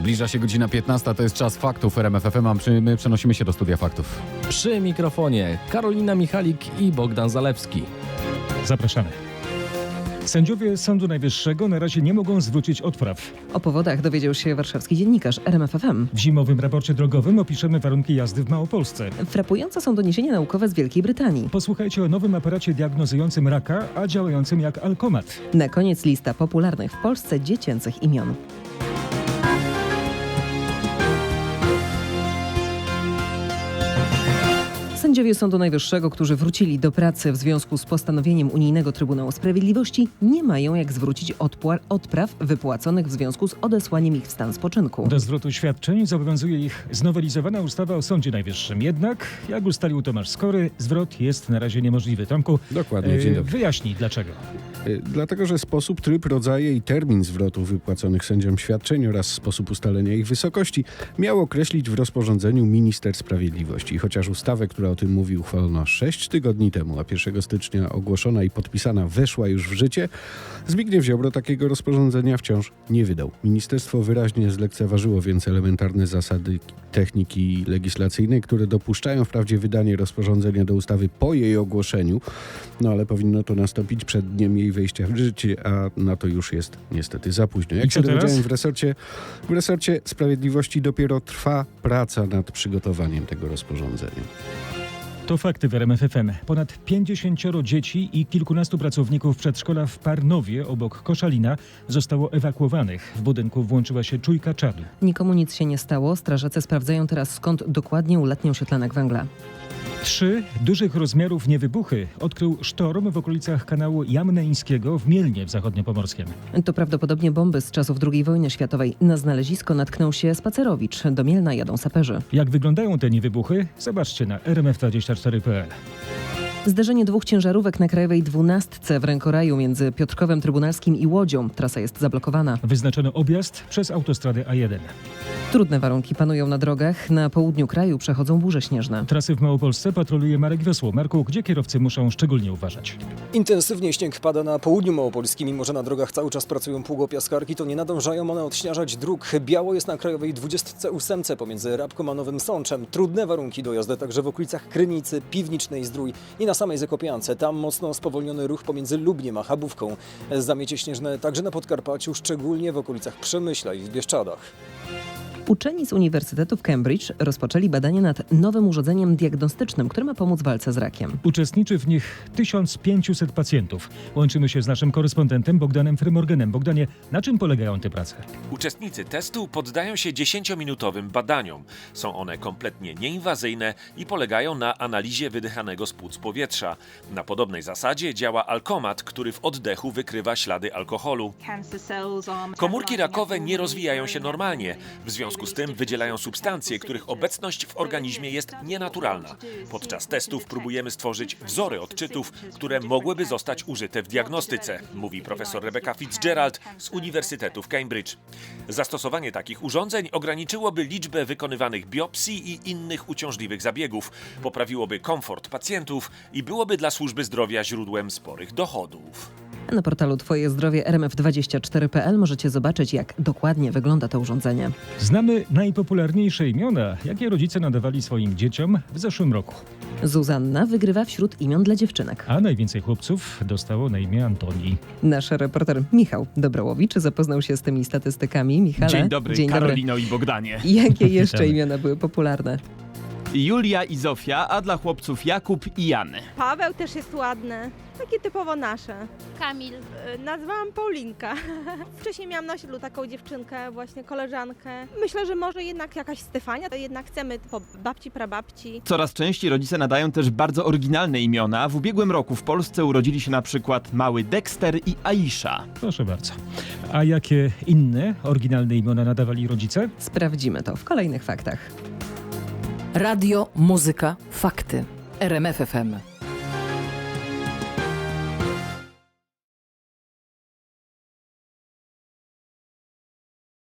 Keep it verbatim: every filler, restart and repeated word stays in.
Zbliża się godzina piętnasta, to jest czas faktów R M F F M, a my przenosimy się do studia faktów. Przy mikrofonie Karolina Michalik i Bogdan Zalewski. Zapraszamy. Sędziowie Sądu Najwyższego na razie nie mogą zwrócić odpraw. O powodach dowiedział się warszawski dziennikarz R M F F M. W zimowym raporcie drogowym opiszemy warunki jazdy w Małopolsce. Frapujące są doniesienia naukowe z Wielkiej Brytanii. Posłuchajcie o nowym aparacie diagnozującym raka, a działającym jak alkomat. Na koniec lista popularnych w Polsce dziecięcych imion. Sędziowie Sądu Najwyższego, którzy wrócili do pracy w związku z postanowieniem Unijnego Trybunału Sprawiedliwości, nie mają jak zwrócić odpła- odpraw wypłaconych w związku z odesłaniem ich w stan spoczynku. Do zwrotu świadczeń zobowiązuje ich znowelizowana ustawa o Sądzie Najwyższym. Jednak, jak ustalił Tomasz Skory, zwrot jest na razie niemożliwy. Tomku, Dokładnie, dzień dobry. wyjaśnij dlaczego. Y, Dlatego, że sposób, tryb, rodzaje i termin zwrotu wypłaconych sędziom świadczeń oraz sposób ustalenia ich wysokości miał określić w rozporządzeniu minister sprawiedliwości. Chociaż ustawę, która o tym mówi, uchwalono sześć tygodni temu, a pierwszego stycznia ogłoszona i podpisana weszła już w życie, Zbigniew Ziobro takiego rozporządzenia wciąż nie wydał. Ministerstwo wyraźnie zlekceważyło więc elementarne zasady techniki legislacyjnej, które dopuszczają wprawdzie wydanie rozporządzenia do ustawy po jej ogłoszeniu, no ale powinno to nastąpić przed dniem jej wejścia w życie, a na to już jest niestety za późno. I Jak co się teraz? dowiedziałem, w resorcie, w resorcie Sprawiedliwości dopiero trwa praca nad przygotowaniem tego rozporządzenia. To fakty w R M F F M. Ponad pięćdziesięcioro dzieci i kilkunastu pracowników przedszkola w Parnowie obok Koszalina zostało ewakuowanych. W budynku włączyła się czujka czadu. Nikomu nic się nie stało. Strażacy sprawdzają teraz, skąd dokładnie ulatniał się tlenek węgla. Trzy dużych rozmiarów niewybuchy odkrył sztorm w okolicach kanału Jamneńskiego w Mielnie w Zachodniopomorskiem. To prawdopodobnie bomby z czasów drugiej wojny światowej. Na znalezisko natknął się spacerowicz. Do Mielna jadą saperzy. Jak wyglądają te niewybuchy? Zobaczcie na r m f dwadzieścia cztery kropka p l. Zderzenie dwóch ciężarówek na Krajowej dwunastce w rękoraju między Piotrkowem Trybunalskim i Łodzią. Trasa jest zablokowana. Wyznaczono objazd przez autostradę A jeden. Trudne warunki panują na drogach. Na południu kraju przechodzą burze śnieżne. Trasy w Małopolsce patroluje Marek Wiosło. Marku, gdzie kierowcy muszą szczególnie uważać? Intensywnie śnieg pada na południu małopolskim, mimo że na drogach cały czas pracują pługopiaskarki, to nie nadążają one odśnieżać dróg. Biało jest na Krajowej dwudziestce ósemce pomiędzy Rabką a Nowym Sączem. Trudne warunki do jazdy także w okolicach Krynicy, Piwnicznej Zdrój i na samej Zakopiance. Tam mocno spowolniony ruch pomiędzy Lubniem a Chabówką. Zamiecie śnieżne także na Podkarpaciu, szczególnie w okolicach Przemyśla i w Bieszczadach. Uczeni z Uniwersytetu w Cambridge rozpoczęli badania nad nowym urządzeniem diagnostycznym, które ma pomóc w walce z rakiem. Uczestniczy w nich tysiąc pięćset pacjentów. Łączymy się z naszym korespondentem Bogdanem Frymorganem. Bogdanie, na czym polegają te prace? Uczestnicy testu poddają się dziesięciominutowym badaniom. Są one kompletnie nieinwazyjne i polegają na analizie wydychanego z płuc powietrza. Na podobnej zasadzie działa alkomat, który w oddechu wykrywa ślady alkoholu. Komórki rakowe nie rozwijają się normalnie. W związku z tym wydzielają substancje, których obecność w organizmie jest nienaturalna. Podczas testów próbujemy stworzyć wzory odczytów, które mogłyby zostać użyte w diagnostyce, mówi profesor Rebecca Fitzgerald z Uniwersytetu w Cambridge. Zastosowanie takich urządzeń ograniczyłoby liczbę wykonywanych biopsji i innych uciążliwych zabiegów, poprawiłoby komfort pacjentów i byłoby dla służby zdrowia źródłem sporych dochodów. Na portalu Twoje Zdrowie R M F dwadzieścia cztery kropka p l możecie zobaczyć, jak dokładnie wygląda to urządzenie. Znamy najpopularniejsze imiona, jakie rodzice nadawali swoim dzieciom w zeszłym roku. Zuzanna wygrywa wśród imion dla dziewczynek. A najwięcej chłopców dostało na imię Antoni. Nasz reporter Michał Dobrołowicz zapoznał się z tymi statystykami. Michale, Dzień dobry, dzień Karolino i Bogdanie. Jakie jeszcze Witamy. imiona były popularne? Julia i Zofia, a dla chłopców Jakub i Jan. Paweł też jest ładny, takie typowo nasze. Kamil. Y, Nazwałam Paulinka. Wcześniej miałam na osiedlu taką dziewczynkę, właśnie koleżankę. Myślę, że może jednak jakaś Stefania, to jednak chcemy po babci, prababci. Coraz częściej rodzice nadają też bardzo oryginalne imiona. W ubiegłym roku w Polsce urodzili się na przykład mały Dexter i Aisha. Proszę bardzo. A jakie inne oryginalne imiona nadawali rodzice? Sprawdzimy to w kolejnych faktach. Radio, muzyka, fakty. R M F F M.